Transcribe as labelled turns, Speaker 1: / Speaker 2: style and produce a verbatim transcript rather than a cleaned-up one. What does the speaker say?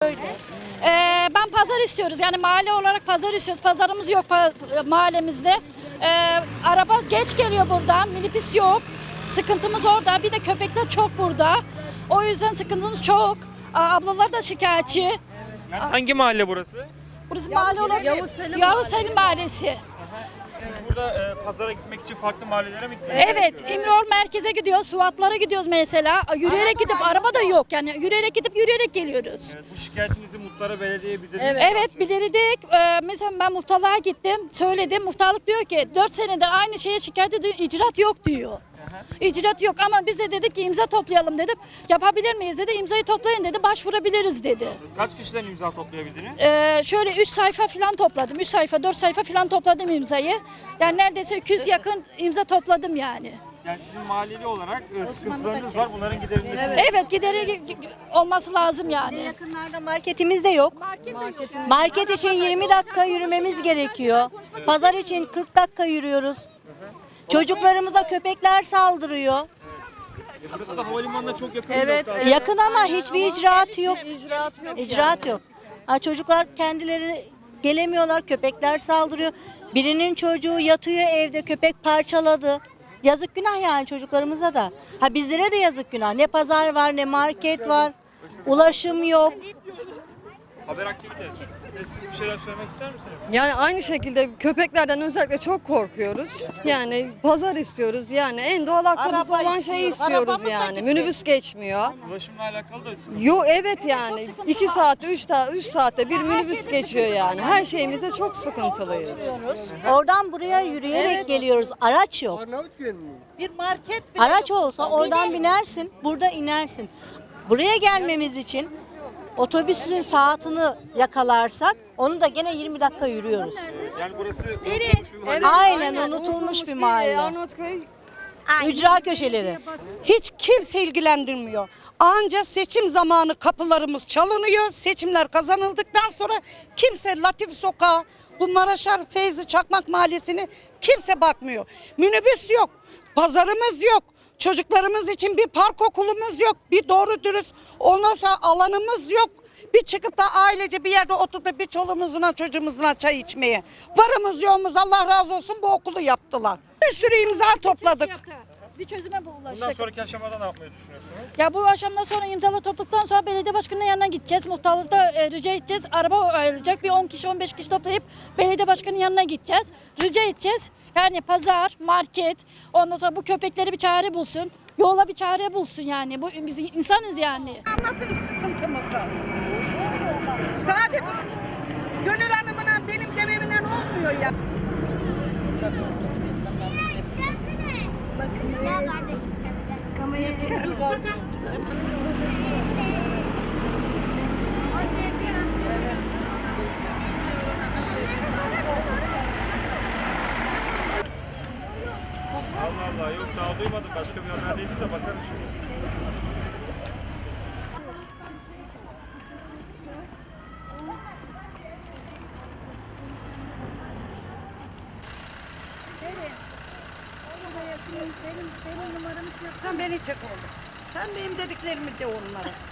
Speaker 1: söyle.
Speaker 2: Ee, ben pazar istiyoruz. Yani mahalle olarak pazar istiyoruz. Pazarımız yok pa- mahallemizde. Ee, araba geç geliyor buradan. Minibüs yok. Sıkıntımız orada. Bir de köpekler çok burada. O yüzden sıkıntımız çok. Aa, ablalar da şikayetçi.
Speaker 3: Yani hangi mahalle burası?
Speaker 2: Burası mahalle olarak
Speaker 4: Yavuz Selim
Speaker 2: Yavuz Selim Mahallesi.
Speaker 3: Siz burada e, pazara gitmek için farklı mahallelere mi gittiniz?
Speaker 2: Evet, İmrol merkeze gidiyoruz, Suatlara gidiyoruz mesela. Yürüyerek gidip araba da yok yani. Yürüyerek gidip yürüyerek geliyoruz.
Speaker 3: Evet, bu şikayetinizi muhtara, belediyeye bildirdiniz.
Speaker 4: Evet.
Speaker 2: Evet, bilirdik. Ee, mesela ben muhtarlığa gittim, söyledim. Muhtarlık diyor ki dört senedir aynı şeye şikayet ediyor, icraat yok diyor. İcraat yok ama biz de dedik ki imza toplayalım dedim. Yapabilir miyiz dedi, imzayı toplayın dedi, başvurabiliriz dedi.
Speaker 3: Kaç kişiden imza toplayabildiniz?
Speaker 2: Ee, şöyle üç sayfa falan topladım, üç sayfa, dört sayfa falan topladım imzayı. Yani neredeyse iki yüz yakın imza topladım yani.
Speaker 3: Yani sizin mahalleli olarak e, sıkıntılarınız var, bunların giderilmesi.
Speaker 2: Evet, evet gideri olması lazım yani.
Speaker 1: Yakınlarda marketimiz de yok.
Speaker 2: Market
Speaker 1: Market için yirmi dakika yürümemiz gerekiyor. Pazar için kırk dakika yürüyoruz. Çocuklarımıza köpekler saldırıyor.
Speaker 3: E, burası da havalimanına çok yakın.
Speaker 4: Evet,
Speaker 3: bir nokta.
Speaker 4: evet.
Speaker 1: Yakın ama hiçbir icraatı yok.
Speaker 4: İcraat yok.
Speaker 1: İcraat yok. Ha, çocuklar kendileri gelemiyorlar, köpekler saldırıyor. Birinin çocuğu yatıyor evde, köpek parçaladı. Yazık günah yani çocuklarımıza da. Ha bizlere de yazık günah. Ne pazar var, ne market var. Ulaşım yok.
Speaker 3: Haber aktivite. E, Siz bir şeyler söylemek ister misiniz?
Speaker 4: Yani aynı şekilde köpeklerden özellikle çok korkuyoruz. Yani pazar istiyoruz. Yani en doğal hakkımız
Speaker 1: Araba
Speaker 4: olan şeyi
Speaker 1: istiyoruz.
Speaker 4: istiyoruz
Speaker 1: Arabamız da
Speaker 4: yani.
Speaker 1: gitti.
Speaker 4: Minibüs geçmiyor.
Speaker 3: Ulaşımla alakalı da sıkıntı.
Speaker 4: Yok evet yani. iki saatte, üç, ta üç saatte bir minibüs geçiyor yani. Her şeyimize çok sıkıntılıyız.
Speaker 1: Oradan buraya yürüyerek
Speaker 4: Evet.
Speaker 1: geliyoruz. Araç yok.
Speaker 5: Bir market
Speaker 1: Araç olsa oradan binersin, burada inersin. Buraya gelmemiz için otobüsün saatini yakalarsak onu da gene yirmi dakika yürüyoruz.
Speaker 3: Yani burası unutulmuş bir mahalle.
Speaker 4: Evet,
Speaker 1: Aynen, unutulmuş bir mahalle.
Speaker 4: Arnavutköy
Speaker 1: Ücra köşeleri.
Speaker 5: hiç kimse ilgilendirmiyor. Anca seçim zamanı kapılarımız çalınıyor. Seçimler kazanıldıktan sonra kimse Latif Sokağı, bu Maraşar Feyzi Çakmak Mahallesi'ni kimse bakmıyor. Minibüs yok, pazarımız yok. Çocuklarımız için bir park okulumuz yok. Bir doğru dürüst ondan sonra alanımız yok. Bir çıkıp da ailece bir yerde oturup da bir çoluğumuzla çocuğumuzla çay içmeye. Varımız yoğumuz Allah razı olsun bu okulu yaptılar. Bir sürü imza topladık.
Speaker 2: Bir çözüme bu
Speaker 3: Bundan
Speaker 2: ulaştık.
Speaker 3: sonraki aşamada ne yapmayı düşünüyorsunuz?
Speaker 2: Ya bu akşamdan sonra imzalar topladıktan sonra belediye başkanının yanına gideceğiz. Muhtarlıkta e, rica edeceğiz. Araba ayrılacak. Bir on kişi on beş kişi toplayıp belediye başkanının yanına gideceğiz. Rica edeceğiz. Yani pazar, market, ondan sonra bu köpekleri bir çare bulsun. Yola bir çare bulsun yani. Bu biz insanız yani.
Speaker 6: Anlatın sıkıntımızı. Sadece Gönül Hanım'la benim dememle olmuyor ya.
Speaker 7: Bakın ya kardeşim sen de.
Speaker 3: Allah Allah, yok daha duymadım. Başka bir haber değil de bakarım şimdi.
Speaker 6: Sen beni çek oğlum. Sen benim dediklerimi de onlara.